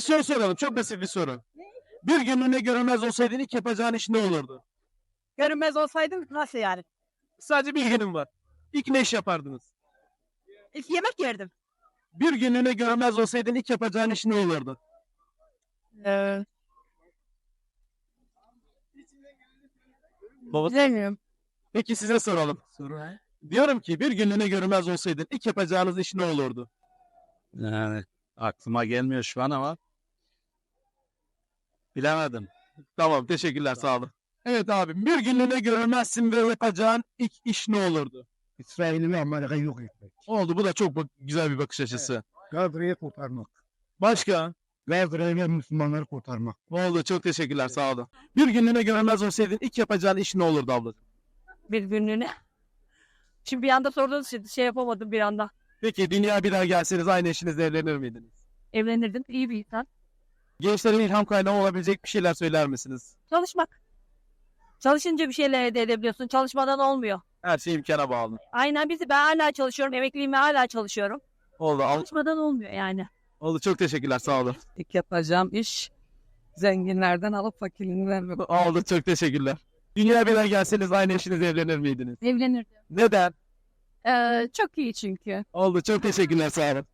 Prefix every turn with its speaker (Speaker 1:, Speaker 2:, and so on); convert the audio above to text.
Speaker 1: soru soralım. Çok basit bir soru. Bir günlüğüne görünmez olsaydın ilk yapacağın iş ne olurdu?
Speaker 2: Görünmez olsaydım nasıl yani?
Speaker 1: Sadece bir günüm var. İlk ne iş yapardınız?
Speaker 2: İlk yemek yerdim.
Speaker 1: Bir günlüğüne görünmez olsaydın ilk yapacağın iş ne olurdu?
Speaker 2: Bilmiyorum.
Speaker 1: Peki size soralım. Diyorum ki bir günlüğüne görünmez olsaydın ilk yapacağınız iş ne olurdu?
Speaker 3: Yani aklıma gelmiyor şu an ama bilemedim.
Speaker 1: Tamam, teşekkürler, sağ olun. Evet abi, bir günlüğüne görünmezsin ve yapacağın ilk iş ne olurdu?
Speaker 4: İsrail'i ve Amerika'yı yok etmek.
Speaker 1: Oldu, bu da çok güzel bir bakış açısı.
Speaker 4: Gazze'yi kurtarmak.
Speaker 1: Başka?
Speaker 4: Gazze'yi ve Müslümanları kurtarmak.
Speaker 1: Oldu, çok teşekkürler, sağ olun. Bir günlüğüne görünmez olsaydın ilk yapacağın iş ne olurdu ablacığım?
Speaker 2: Bir günlüğüne. Şimdi bir anda sorduğunuz için şey yapamadım bir anda.
Speaker 1: Peki dünya bir daha gelseniz aynı eşinizle evlenir miydiniz?
Speaker 2: Evlenirdim. İyi bir insan.
Speaker 1: Gençlerin ilham kaynağı olabilecek bir şeyler söyler misiniz?
Speaker 2: Çalışmak. Çalışınca bir şeyler elde edebiliyorsun. Çalışmadan olmuyor.
Speaker 1: Her şey imkana bağlı.
Speaker 2: Aynen ben hala çalışıyorum. Emekliyim ve hala çalışıyorum.
Speaker 1: Oldu,
Speaker 2: Çalışmadan olmuyor yani.
Speaker 1: oldu, çok teşekkürler, sağ olun.
Speaker 5: İlk yapacağım iş zenginlerden alıp fakirliğini vermek.
Speaker 1: Oldu, çok teşekkürler. Dünya bir daha gelseniz aynı eşinizle evlenir miydiniz?
Speaker 2: Evlenirdim.
Speaker 1: Neden?
Speaker 2: Çok iyi çünkü.
Speaker 1: Oldu, çok teşekkürler, sağ olun.